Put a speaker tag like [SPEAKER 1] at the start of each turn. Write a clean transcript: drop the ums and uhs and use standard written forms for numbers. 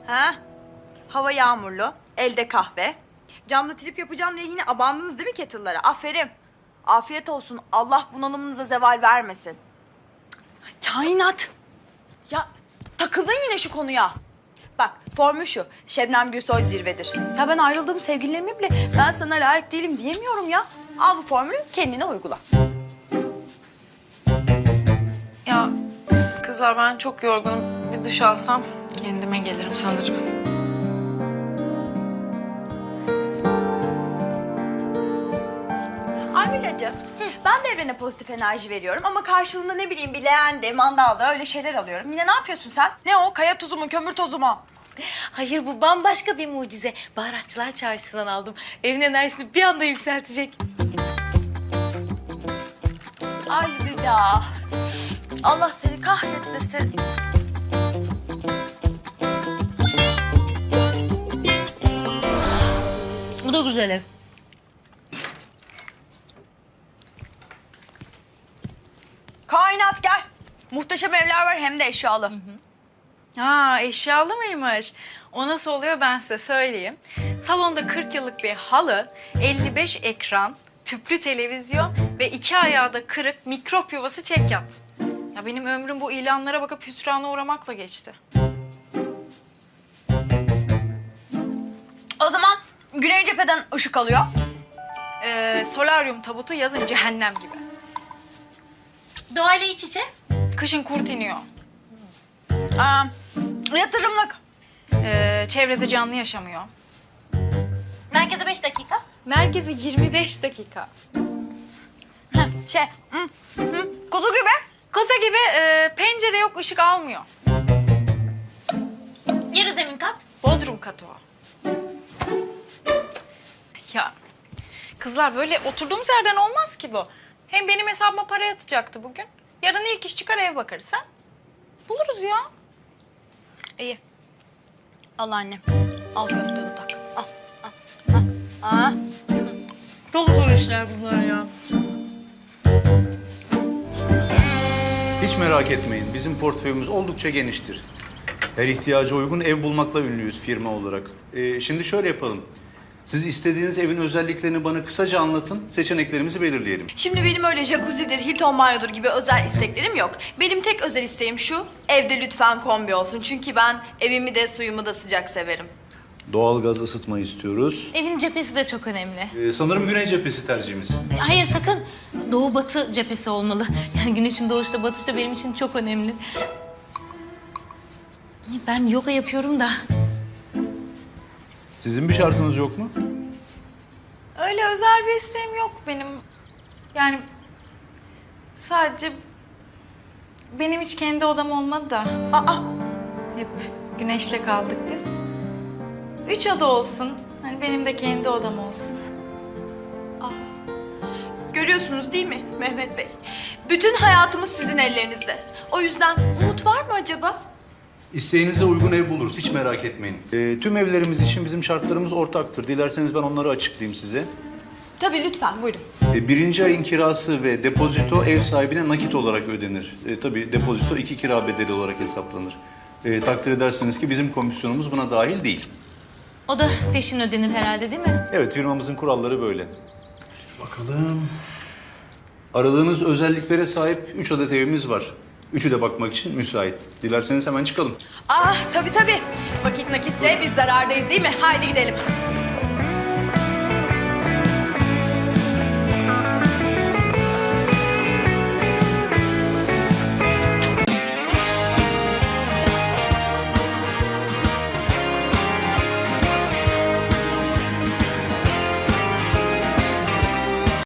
[SPEAKER 1] Ha? Hava yağmurlu, elde kahve. Camda trip yapacağım diye yine abandınız değil mi kettle'lara? Aferin. Afiyet olsun. Allah bunalımınıza zeval vermesin. Kainat. Ya takıldın yine şu konuya. Bak formül şu. Şebnem Gürsoy zirvedir. Ya ben ayrıldığım sevgililerime bile ben sana layık değilim diyemiyorum ya. Al bu formülü kendine uygula.
[SPEAKER 2] Ya kızlar ben çok yorgunum. Bir duş alsam kendime gelirim sanırım.
[SPEAKER 1] Ay Milacığım, ben de evrene pozitif enerji veriyorum ama karşılığında ne bileyim bir leğende, mandalda öyle şeyler alıyorum. Yine ne yapıyorsun sen? Ne o? Kaya tuzu mu, kömür tozu mu?
[SPEAKER 3] Hayır, bu bambaşka bir mucize. Baharatçılar çarşısından aldım. Evin enerjisini bir anda yükseltecek.
[SPEAKER 1] Ay Müda. Allah seni kahretmesin.
[SPEAKER 3] Bu da güzel ev.
[SPEAKER 1] Kainat gel. Muhteşem evler var hem de eşyalı.
[SPEAKER 2] Ha, eşyalı mıymış? O nasıl oluyor ben size söyleyeyim. Salonda 40 yıllık bir halı, 55 ekran, tüplü televizyon ve 2 ayağı da kırık mikrop yuvası çekyat. Ya benim ömrüm bu ilanlara bakıp hüsrana uğramakla geçti.
[SPEAKER 1] O zaman güney cepheden ışık alıyor.
[SPEAKER 2] Solaryum tabutu yazın cehennem gibi.
[SPEAKER 3] Doğayla iç içe.
[SPEAKER 2] Kışın kurt iniyor.
[SPEAKER 1] Yatırımlık.
[SPEAKER 2] Çevrede canlı yaşamıyor.
[SPEAKER 3] Merkeze 5 dakika.
[SPEAKER 2] Merkezi 25 dakika.
[SPEAKER 1] Kuzu gibi.
[SPEAKER 2] Koza gibi pencere yok, ışık almıyor.
[SPEAKER 3] Yarı zemin kat.
[SPEAKER 2] Bodrum katı o. Ya kızlar böyle oturduğumuz yerden olmaz ki bu. Hem benim hesabıma para yatacaktı bugün. Yarın ilk iş çıkar eve bakarız ha. Buluruz ya.
[SPEAKER 1] İyi. Al annem. Al köfte dudak. Al. Al. Al.
[SPEAKER 3] Çok zor işler bunlar ya.
[SPEAKER 4] Hiç merak etmeyin. Bizim portföyümüz oldukça geniştir. Her ihtiyaca uygun ev bulmakla ünlüyüz firma olarak. Şimdi şöyle yapalım. Siz istediğiniz evin özelliklerini bana kısaca anlatın. Seçeneklerimizi belirleyelim.
[SPEAKER 1] Şimdi benim öyle jacuzzidir, Hilton banyodur gibi özel isteklerim yok. Benim tek özel isteğim şu, evde lütfen kombi olsun. Çünkü ben evimi de suyumu da sıcak severim.
[SPEAKER 4] Doğalgaz ısıtma istiyoruz.
[SPEAKER 3] Evin cephesi de çok önemli.
[SPEAKER 4] Sanırım güney cephesi tercihimiz.
[SPEAKER 3] Hayır, sakın. Doğu batı cephesi olmalı. Yani güneşin doğuşta batışta benim için çok önemli. Ben yoga yapıyorum da.
[SPEAKER 4] Sizin bir şartınız yok mu?
[SPEAKER 2] Öyle özel bir isteğim yok benim. Yani sadece benim hiç kendi odam olmadı da.
[SPEAKER 1] Aa,
[SPEAKER 2] Hep güneşle kaldık biz. 3 oda olsun. Hani benim de kendi odam olsun.
[SPEAKER 1] görüyorsunuz değil mi Mehmet Bey? Bütün hayatımız sizin ellerinizde. O yüzden umut var mı acaba?
[SPEAKER 4] İsteğinize uygun ev buluruz. Hiç merak etmeyin. Tüm evlerimiz için bizim şartlarımız ortaktır. Dilerseniz ben onları açıklayayım size.
[SPEAKER 1] Tabii lütfen buyurun.
[SPEAKER 4] Birinci ayın kirası ve depozito ev sahibine nakit olarak ödenir. Tabii depozito 2 kira bedeli olarak hesaplanır. Takdir edersiniz ki bizim komisyonumuz buna dahil değil.
[SPEAKER 3] O da peşin ödenir herhalde, değil mi?
[SPEAKER 4] Evet, firmamızın kuralları böyle. Bakalım. Aradığınız özelliklere sahip 3 adet evimiz var. Üçü de bakmak için müsait. Dilerseniz hemen çıkalım.
[SPEAKER 1] Ah tabii tabii. Vakit nakitse biz zarardayız değil mi? Haydi gidelim.